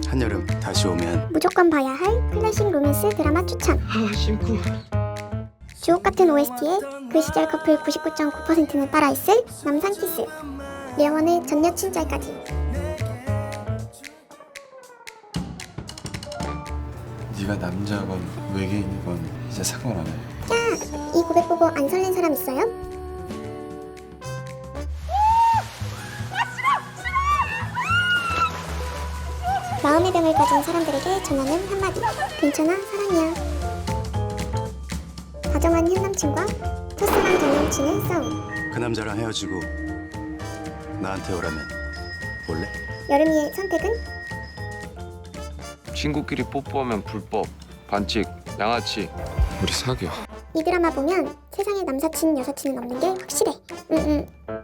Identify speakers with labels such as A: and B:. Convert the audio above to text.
A: 한여름 다시 오면
B: 무조건 봐야 할 클래식 로맨스 드라마 추천.
C: 심쿵.
B: 주옥 같은 OST에 그 시절 커플 99.9%는 따라했을 남산 키스. 려원의 전 여친 짤까지.
D: 네가 남자건 외계인이건 이제 상관 안 해.
B: 야, 이 고백 보고 안 설렌 사람 있어요? 마음의 병을 가진 사람들에게 전하는 한마디. 괜찮아, 사랑이야. 다정한 현 남친과 첫사랑 전 남친의 싸움.
A: 그 남자랑 헤어지고 나한테 오라면 올래?
B: 여름이의 선택은?
C: 친구끼리 뽀뽀하면 불법. 반칙. 양아치.
D: 우리 사겨.
B: 이 드라마 보면 세상에 남사친 여사친은 없는 게 확실해.